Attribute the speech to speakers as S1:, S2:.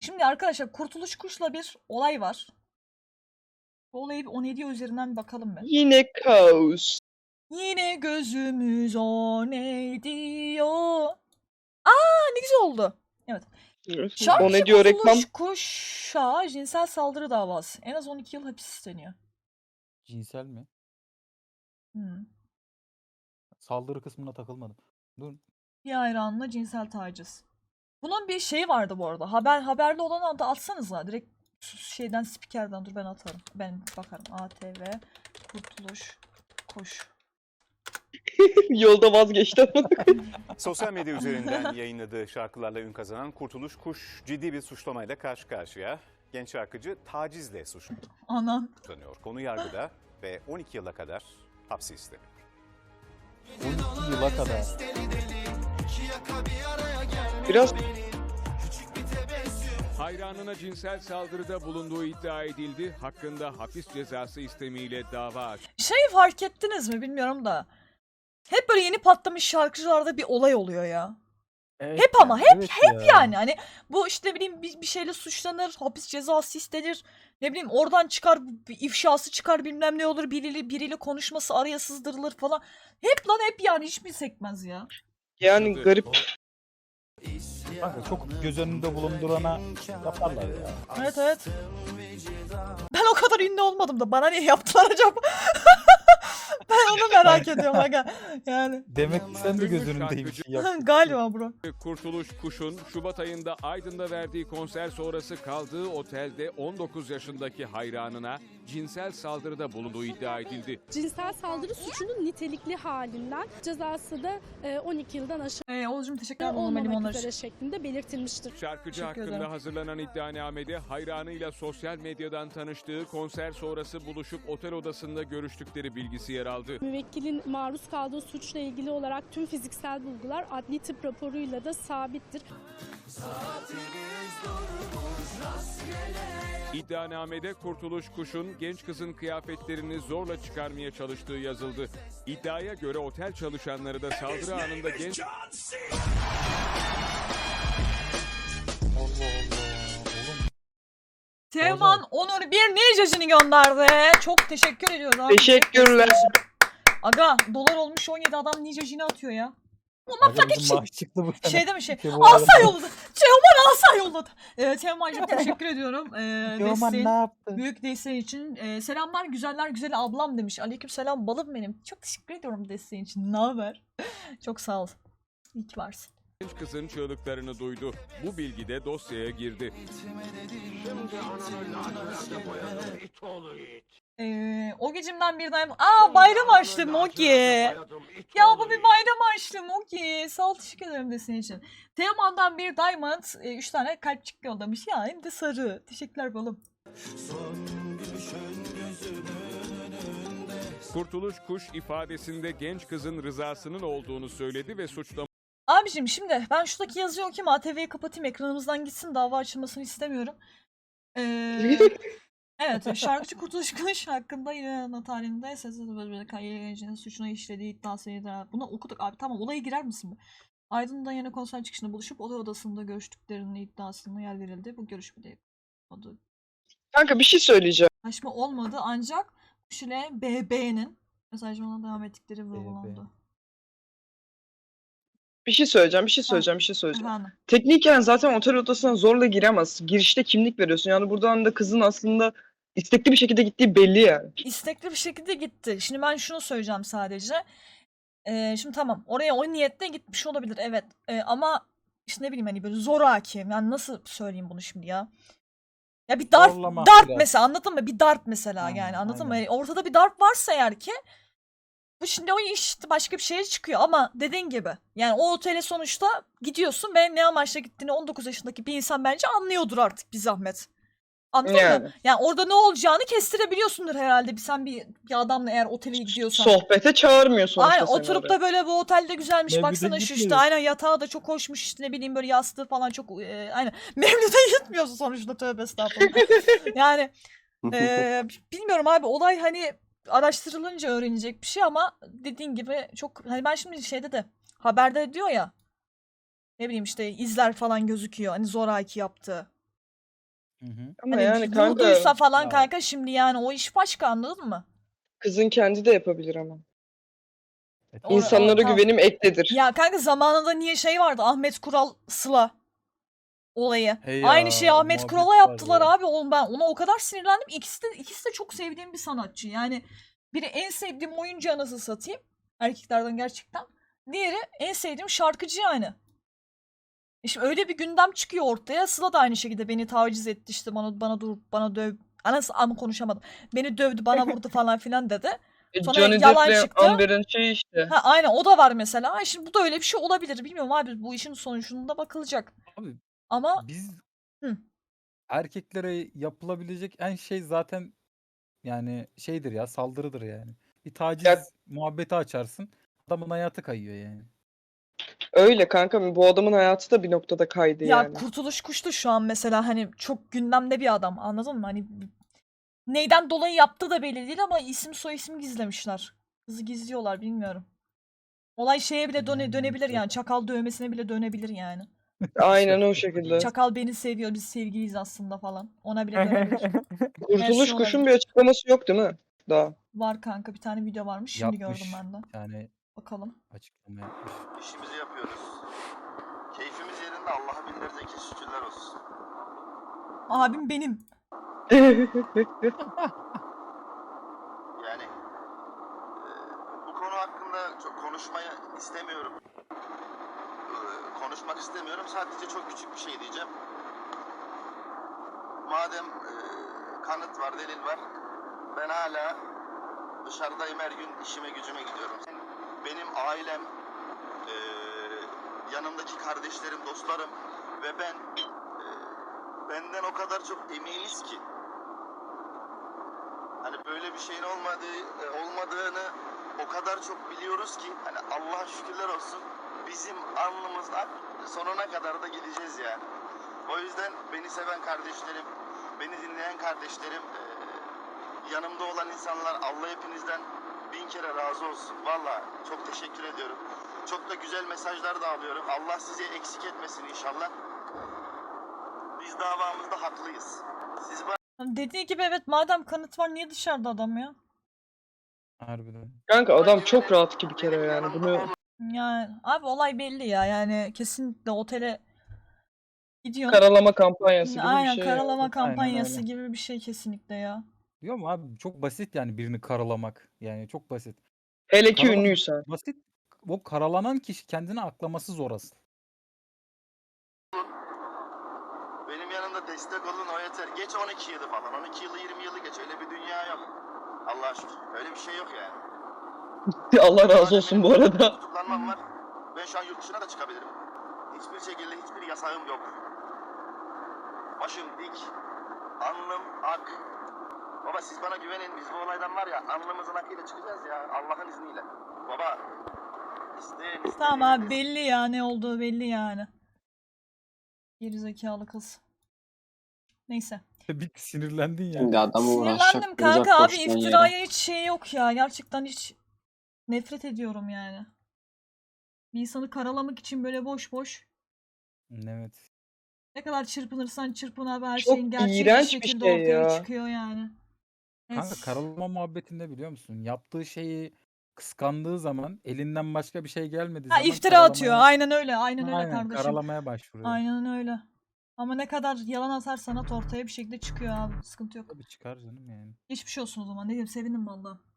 S1: Şimdi arkadaşlar Kurtuluş Kuş'la bir olay var. Bu olayı bir 17 üzerinden bir bakalım be.
S2: Yine kaos.
S1: Yine gözümüz o ne diyor. Ne güzel oldu. Evet.
S2: O
S1: Şarkıcı
S2: ne diyor reklam?
S1: Kurtuluş Kuş'a cinsel saldırı davası. En az 12 yıl hapis isteniyor.
S3: Cinsel mi?
S1: Hmm.
S3: Saldırı kısmına takılmadım. Dur.
S1: Bir hayranına cinsel taciz. Bunun bir şeyi vardı bu arada. Haberli olanı da atsanıza. Direkt şeyden spikerden dur ben atarım. Ben bakarım. ATV Kurtuluş Kuş.
S2: Yolda vazgeçti.
S4: Sosyal medya üzerinden yayınladığı şarkılarla ün kazanan Kurtuluş Kuş ciddi bir suçlamayla karşı karşıya. Genç şarkıcı tacizle
S1: Anan.
S4: suçlanıyor. Konu yargıda ve 12 yıla kadar hapsi isteniyor.
S3: 12 yıla kadar.
S2: Biraz
S5: Hayranına cinsel saldırıda bulunduğu iddia edildi. Hakkında hapis cezası istemiyle dava açtı.
S1: Şeyi fark ettiniz mi bilmiyorum da. Hep böyle yeni patlamış şarkıcılarda bir olay oluyor ya.
S3: Evet
S1: Hep ama
S3: ya,
S1: hep
S3: evet
S1: hep
S3: ya.
S1: yani hani bu işte ne bileyim bir şeyle suçlanır, hapis cezası istenir. Ne bileyim oradan çıkar bir ifşası çıkar bilmem ne olur biriyle konuşması araya sızdırılır falan. Hep lan hep yani hiç mi sekmez ya.
S2: yani garip.
S3: Kanka çok göz önünde bulundurana yaparlar ya.
S1: Evet evet. Ben o kadar ünlü olmadım da bana niye yaptılar acaba? Ben onu merak ediyorum aga. Yani
S3: Demek ki sen de göz önündeymiş.
S1: galiba bro.
S5: Kurtuluş Kuş'un Şubat ayında Aydın'da verdiği konser sonrası kaldığı otelde 19 yaşındaki hayranına cinsel saldırıda bulunduğu iddia edildi.
S6: Cinsel saldırı suçunun nitelikli halinden cezası da 12 yıldan aşağı
S1: Oğuzcum teşekkür ederim. Normal
S6: olmamak
S1: limonlar
S6: üzere
S1: için.
S6: şeklinde belirtilmiştir.
S5: Şarkıcı
S1: Teşekkür
S5: hakkında
S1: ederim.
S5: hazırlanan iddianamede hayranıyla sosyal medyadan tanıştığı, konser sonrası buluşup otel odasında görüştükleri bilgisi yer aldı.
S6: Müvekkilin maruz kaldığı suçla ilgili olarak tüm fiziksel bulgular adli tıp raporuyla da sabittir.
S5: İddianamede Kurtuluş Kuş'un genç kızın kıyafetlerini zorla çıkarmaya çalıştığı yazıldı. İddiaya göre otel çalışanları da saldırı anında genç
S3: Allah Allah. Oğlum
S1: Teoman Onur bir ninjacını gönderdi. Çok teşekkür ediyoruz abi.
S2: Teşekkürler.
S1: Aga dolar olmuş 17 adam ninjacını atıyor ya.
S3: aga bizim maaş çıktı bu sene.
S1: Şey değil mi şey?
S3: İşte bu
S1: Asa
S3: arada-
S1: yolladı. Teoman asa yolladı. Teoman'cığım teşekkür ediyorum.
S3: Teoman ne yaptı?
S1: Büyük desteğin için. Selamlar güzeller güzeli ablam demiş. Aleyküm selam balım benim. Çok teşekkür ediyorum desteğin için. Ne haber? Çok sağ ol. İyi ki varsın.
S5: kızın çığlıklarını duydu. Bu bilgi de dosyaya girdi.
S1: O gecimden bir daim. Bayram açtım Moki. Ya bu bir bayram açtım Moki. Sağ ol teşekkür ederim desteğin için. Teoman'dan bir diamond. 3 tane kalpçik yollamış. Ya hem de sarı. Teşekkürler balım.
S5: Kurtuluş Kuş ifadesinde genç kızın rızasının olduğunu söyledi ve suçlamayı
S1: Abicim şimdi ben şuradaki yazıyı okuyayım. ATV'yi kapatayım. Ekranımızdan gitsin. Dava açılmasını istemiyorum. Evet. Şarkıcı Kurtuluş Kuş hakkında yine tarihinde sesli gencinin suçuna işlediği iddiasıyla. Bunu okuduk abi. Tamam olaya girer misin be? Aydın'da yine konser çıkışında buluşup otel odasında görüştüklerinin iddiasına yer verildi. Bu görüşmede adı
S2: Kanka bir şey söyleyeceğim.
S1: anlaşma olmadı ancak Kuş ile BB'nin mesajlarına devam ettikleri vurgulandı.
S2: Bir şey söyleyeceğim.
S1: Efendim.
S2: Tekniken zaten otel odasına zorla giremez. Girişte kimlik veriyorsun. Yani buradan da kızın aslında istekli bir şekilde gittiği belli yani.
S1: İstekli bir şekilde gitti. Şimdi ben şunu söyleyeceğim sadece. Şimdi tamam oraya o niyetle gitmiş olabilir evet. Ama işte ne bileyim hani böyle zoraki. Yani nasıl söyleyeyim bunu şimdi ya? Ya bir
S3: Zorlama
S1: darp
S3: biraz.
S1: mesela anladın mı? Bir darp mesela
S3: Aynen,
S1: yani anladın mı?
S3: aynen.
S1: Ortada bir darp varsa eğer ki bu şimdi o iş başka bir şeye çıkıyor ama dediğin gibi yani o otele sonuçta gidiyorsun ve ne amaçla gittiğini 19 yaşındaki bir insan bence anlıyordur artık bir zahmet. Anladın mı?
S2: Yani.
S1: Yani orada ne olacağını kestirebiliyorsundur herhalde. Sen bir adamla eğer otele gidiyorsan.
S2: Sohbete çağırmıyor sonuçta
S1: Aynen
S2: seni
S1: oturup
S2: oraya.
S1: da böyle bu otelde güzelmiş
S3: Mevlüt'e
S1: baksana şu işte
S3: gitmiyor.
S1: aynen yatağı da çok hoşmuş işte ne bileyim böyle yastığı falan çok aynen Mevlüt'e gitmiyorsun sonuçta tövbe estağfurullah. Yani bilmiyorum abi olay hani araştırılınca öğrenecek bir şey ama dediğin gibi çok hani ben şimdi şeyde de haberde diyor ya ne bileyim işte izler falan gözüküyor hani zoraki yaptığı.
S3: Hı hı.
S2: Ama
S1: Hani
S2: yani kanka
S1: vurduysa falan
S3: Ya.
S1: kanka şimdi yani o iş başka, anladın mı?
S2: kızın kendi de yapabilir ama.
S1: O-
S2: İnsanlara
S1: tamam.
S2: güvenim ektedir.
S1: Ya kanka zamanında niye şey vardı, Ahmet Kural Sıla olayı.
S3: Hey
S1: Aynı
S3: ya,
S1: şeyi
S3: o
S1: Ahmet
S3: muhabbet
S1: Kural'a yaptılar
S3: vardı.
S1: abi. Oğlum ben ona o kadar sinirlendim. İkisi de çok sevdiğim bir sanatçı. Yani biri en sevdiğim oyuncu, anasını satayım. Erkeklerden gerçekten. Diğeri en sevdiğim şarkıcı yani. Şimdi öyle bir gündem çıkıyor ortaya. Sıla da aynı şekilde beni taciz etti, işte bana döv. Anası ama konuşamadım. Beni dövdü, bana vurdu falan filan dedi. Sonra
S2: Johnny
S1: yalan
S2: Depp'le
S1: çıktı.
S2: Amber'ın şeyi işte.
S1: Ha aynen, o da var mesela. Ay, şimdi bu da öyle bir şey olabilir. Bilmiyorum abi, bu işin sonucunda bakılacak.
S3: Abi
S1: Ama
S3: biz
S1: Hı.
S3: erkeklere yapılabilecek en şey zaten yani şeydir ya, saldırıdır yani. Bir taciz
S2: Ya
S3: muhabbeti açarsın. Adamın hayatı kayıyor yani.
S2: öyle kanka, bu adamın hayatı da bir noktada kaydı
S1: Ya
S2: yani.
S1: Kurtuluş Kuş'tu şu an mesela, hani çok gündemde bir adam, anladın mı? Hani neyden dolayı yaptığı da belli değil ama isim soy isim gizlemişler. Kızı gizliyorlar, bilmiyorum. Olay şeye bile
S3: Yani
S1: dönebilir yani.
S3: enteresan.
S1: Çakal dövmesine bile dönebilir yani.
S2: Aynen o
S3: Şaka
S2: şekilde.
S3: yapıyorum.
S1: Çakal beni seviyor, biz sevgiliyiz aslında falan. Ona bile dönebilir. Her
S2: Kurtuluş
S1: şey
S2: Kuş'un
S1: olabilir.
S2: bir açıklaması yok değil mi? Daha.
S1: Var kanka, bir tane video varmış. Şimdi gördüm
S3: Yapmış.
S1: ben de.
S3: Bir tane
S1: Bakalım.
S3: açıklama yapmış.
S7: İşimizi yapıyoruz. Keyfimiz yerinde, Allah'a binlerce kez şükürler olsun.
S1: Abim benim.
S7: Yani bu konu hakkında çok konuşmayı istemiyorum. Konuşmak istemiyorum. Sadece çok küçük bir şey diyeceğim. Madem kanıt var, delil var. Ben hala dışarıdayım, her gün işime gücüme gidiyorum. Benim ailem, yanımdaki kardeşlerim, dostlarım ve ben benden o kadar çok eminiz ki, hani böyle bir şeyin olmadığını o kadar çok biliyoruz ki, hani Allah'a şükürler olsun, bizim alnımızdan sonuna kadar da gideceğiz yani. O yüzden beni seven kardeşlerim, beni dinleyen kardeşlerim, yanımda olan insanlar, Allah hepinizden 1000 kere razı olsun. Vallahi çok teşekkür ediyorum. Çok da güzel mesajlar da alıyorum. Allah sizi eksik etmesin inşallah. Biz davamızda haklıyız. Siz
S1: Hani dediği gibi, evet, madem kanıt var niye dışarıda adam ya?
S3: Harbiden.
S2: Kanka adam
S7: bana
S2: çok
S7: güvenin,
S2: rahat ki bir kere
S7: benim
S2: yani.
S7: yanımda
S2: Bunu
S7: olun.
S1: Yani abi olay belli ya, yani kesinlikle otele gidiyorsun.
S2: karalama kampanyası gibi bir
S1: Aynen,
S2: şey yani.
S1: karalama
S3: Aynen
S1: kampanyası
S3: öyle.
S1: gibi bir şey kesinlikle ya.
S3: Diyor mu abi, çok basit yani birini karalamak. Yani çok basit.
S2: Hele ki
S3: Karalamak
S2: ünlüysen.
S3: basit. O karalanan kişi kendini aklaması zor asıl.
S7: Benim yanımda destek olun, o yeter. Geç 12 yılı falan. 12 yılı, 20 yılı geç. Öyle bir dünya yok. Allah'a şükür. Öyle bir şey yok yani.
S2: Allah razı
S7: Madem
S2: olsun
S7: benim
S2: bu arada.
S7: tutuklanmam var. Ben şu an yurt dışına da çıkabilirim. Hiçbir şekilde hiçbir yasağım yok. Başım dik. Alnım ak. Baba siz bana güvenin. Biz bu olaydan var ya, alnımızın akıyla çıkacağız ya. Allah'ın izniyle. Baba. İsteyin.
S1: Tamam abi, belli ya, ne olduğu belli yani. Gerizekalı kız. Neyse.
S3: Bir sinirlendin yani.
S8: Şimdi adamı uğraşacak
S1: Sinirlendim
S8: bulacak
S1: kanka abi,
S8: boşluğun yere.
S1: iftiraya hiç şey yok ya. Gerçekten hiç nefret ediyorum yani. Bir insanı karalamak için böyle boş boş.
S3: Evet.
S1: Ne kadar çırpınırsan çırpın abi, her
S2: Çok
S1: şeyin gerçek bir
S2: iğrenç bir
S1: şekilde
S2: şey
S1: ortaya
S2: ya.
S1: çıkıyor yani.
S3: Kanka
S1: Evet.
S3: karalama muhabbetinde biliyor musun? Yaptığı şeyi kıskandığı zaman, elinden başka bir şey gelmediği
S1: Ha,
S3: zaman
S1: iftira atıyor.
S3: karalamaya,
S1: Aynen öyle. Aynen öyle
S3: aynen
S1: kardeşim.
S3: karalamaya başvuruyor.
S1: Aynen öyle. Ama ne kadar yalan atarsan at, ortaya bir şekilde çıkıyor abi. Sıkıntı yok.
S3: Tabii çıkar canım yani.
S1: Geçmiş olsun o zaman. Ne diyeyim, sevindim vallahi.